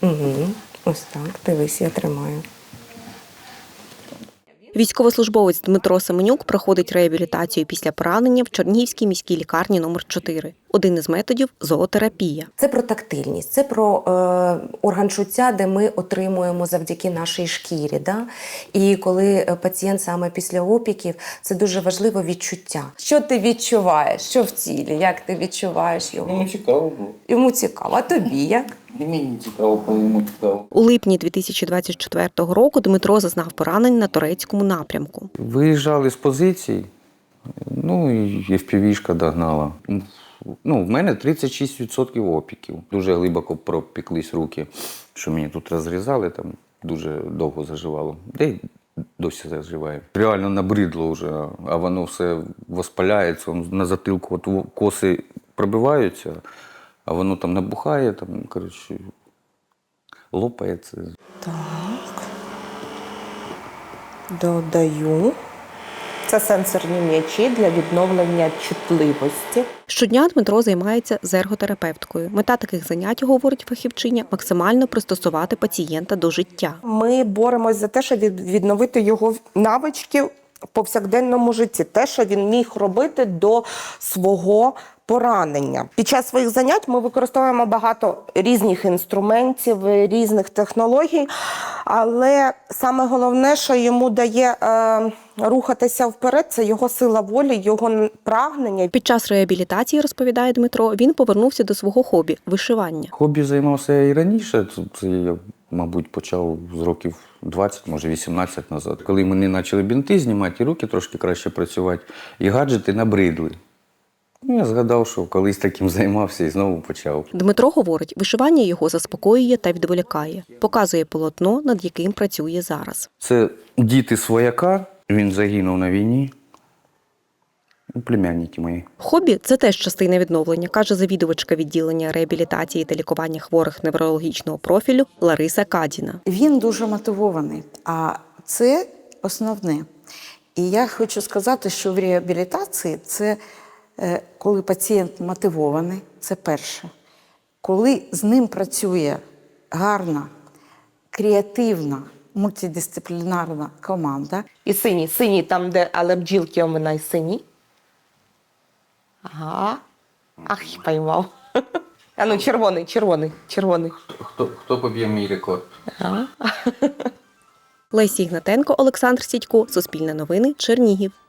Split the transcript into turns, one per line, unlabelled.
Угу. Ось так, дивись, я тримаю.
Військовослужбовець Дмитро Семенюк проходить реабілітацію після поранення в Чернігівській міській лікарні номер 4. Один із методів – зоотерапія.
Це про тактильність, це про орган чуття, де ми отримуємо завдяки нашій шкірі. Да? І коли пацієнт саме після опіків, це дуже важливо відчуття. Що ти відчуваєш? Що в тілі? Як ти відчуваєш його?
Йому цікаво було.
Йому цікаво. А тобі як?
І мені цікаво, коли йому цікаво.
У липні 2024 року Дмитро зазнав поранень на турецькому напрямку.
Виїжджали з позицій, ну і FPV-шка догнала. Ну, в мене 36% опіків. Дуже глибоко пропіклись руки, що мені тут розрізали, там дуже довго заживало. Де й досі заживає. Реально набридло вже, а воно все воспаляється, на затилку от коси пробиваються, а воно там набухає, там, коротше, лопається.
Так. Додаю. Це сенсорні м'ячі для відновлення чутливості.
Щодня Дмитро займається з ерготерапевткою. Мета таких занять, говорить фахівчиня, максимально пристосувати пацієнта до життя.
Ми боремось за те, щоб відновити його навички в повсякденному житті. Те, що він міг робити до свого поранення. Під час своїх занять ми використовуємо багато різних інструментів, різних технологій, але саме головне, що йому дає рухатися вперед, це його сила волі, його прагнення.
Під час реабілітації, розповідає Дмитро, він повернувся до свого хобі – вишивання.
Хобі займався я і раніше, це я, мабуть, почав з років 20, може 18 назад. Коли мені почали бінти знімати, і руки трошки краще працювати, і гаджети набридли. Ну, я згадав, що колись таким займався і знову почав.
Дмитро говорить, вишивання його заспокоює та відволікає. Показує полотно, над яким працює зараз.
Це діти свояка, він загинув на війні. Племянники мої.
Хобі – це теж частина відновлення, каже завідувачка відділення реабілітації та лікування хворих неврологічного профілю Лариса Кадіна.
Він дуже мотивований, а це основне. І я хочу сказати, що в реабілітації це коли пацієнт мотивований, це перше. Коли з ним працює гарна, креативна, мультидисциплінарна команда.
І синій там, де, але бджілки у мене сині. Ага. Ах, поймав. А ну, червоний.
Хто поб'є мій рекорд?
Ага.
Лесі Ігнатенко, Олександр Сідько, Суспільне новини, Чернігів.